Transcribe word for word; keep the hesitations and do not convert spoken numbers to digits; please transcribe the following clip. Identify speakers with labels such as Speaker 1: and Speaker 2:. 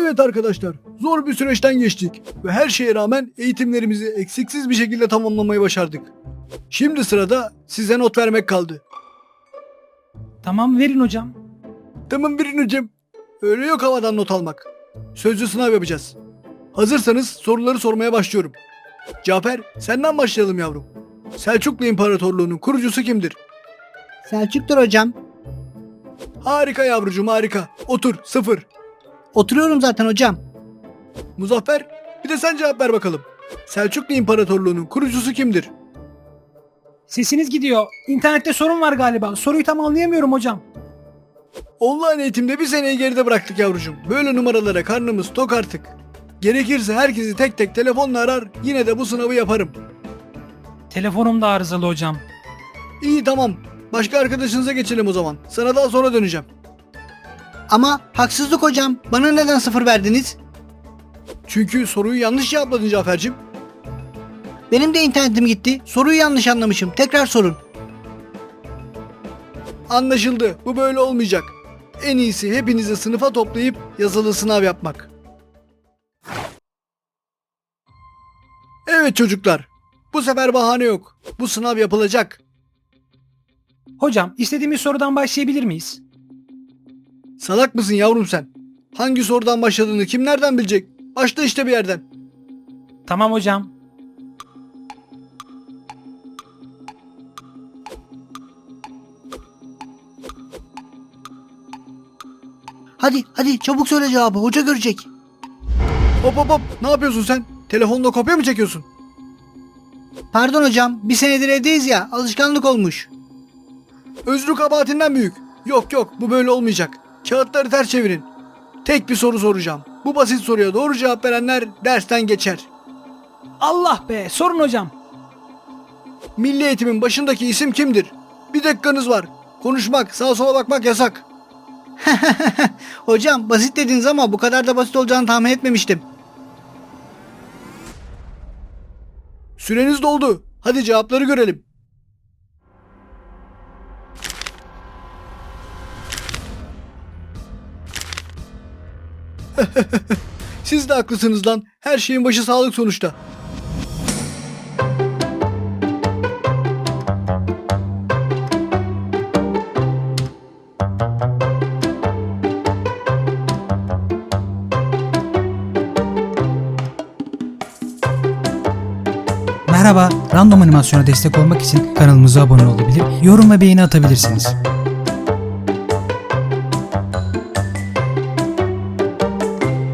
Speaker 1: Evet arkadaşlar, zor bir süreçten geçtik ve her şeye rağmen eğitimlerimizi eksiksiz bir şekilde tamamlamayı başardık. Şimdi sırada size not vermek kaldı.
Speaker 2: Tamam, verin hocam.
Speaker 1: Tamam verin hocam. Öyle yok havadan not almak. Sözlü sınav yapacağız. Hazırsanız soruları sormaya başlıyorum. Cafer, senden başlayalım yavrum. Selçuklu İmparatorluğu'nun kurucusu kimdir?
Speaker 3: Selçuk'tur hocam.
Speaker 1: Harika yavrucuğum, harika. Otur, sıfır.
Speaker 3: Oturuyorum zaten hocam.
Speaker 1: Muzaffer, bir de sen cevap ver bakalım. Selçuklu İmparatorluğu'nun kurucusu kimdir?
Speaker 2: Sesiniz gidiyor. İnternette sorun var galiba. Soruyu tam anlayamıyorum hocam.
Speaker 1: Online eğitimde bir seneyi geride bıraktık yavrucuğum. Böyle numaralara karnımız tok artık. Gerekirse herkesi tek tek telefonla arar, yine de bu sınavı yaparım.
Speaker 2: Telefonum da arızalı hocam.
Speaker 1: İyi tamam. Başka arkadaşınıza geçelim o zaman. Sana daha sonra döneceğim.
Speaker 3: Ama haksızlık hocam. Bana neden sıfır verdiniz?
Speaker 1: Çünkü soruyu yanlış cevapladın Cafer'cim.
Speaker 3: Benim de internetim gitti. Soruyu yanlış anlamışım. Tekrar sorun.
Speaker 1: Anlaşıldı. Bu böyle olmayacak. En iyisi hepinizi sınıfa toplayıp yazılı sınav yapmak. Evet çocuklar. Bu sefer bahane yok. Bu sınav yapılacak.
Speaker 2: Hocam, istediğimiz sorudan başlayabilir miyiz?
Speaker 1: Salak mısın yavrum sen? Hangi sorudan başladığını kim nereden bilecek? Başla işte bir yerden.
Speaker 2: Tamam hocam.
Speaker 3: Hadi hadi çabuk söyle cevabı. Hoca görecek.
Speaker 1: Hop hop hop. Ne yapıyorsun sen? Telefonla kopya mı çekiyorsun?
Speaker 3: Pardon hocam. Bir senedir evdeyiz ya. Alışkanlık olmuş.
Speaker 1: Özrü kabahatinden büyük. Yok yok, bu böyle olmayacak. Kağıtları ters çevirin. Tek bir soru soracağım. Bu basit soruya doğru cevap verenler dersten geçer.
Speaker 2: Allah be, sorun hocam.
Speaker 1: Milli eğitimin başındaki isim kimdir? Bir dakikanız var. Konuşmak, sağa sola bakmak yasak.
Speaker 3: Hocam basit dediniz ama bu kadar da basit olacağını tahmin etmemiştim.
Speaker 1: Süreniz doldu. Hadi cevapları görelim. Siz de haklısınız lan. Her şeyin başı sağlık sonuçta.
Speaker 4: Merhaba, random animasyona destek olmak için kanalımıza abone olabilir, yorum ve beğeni atabilirsiniz.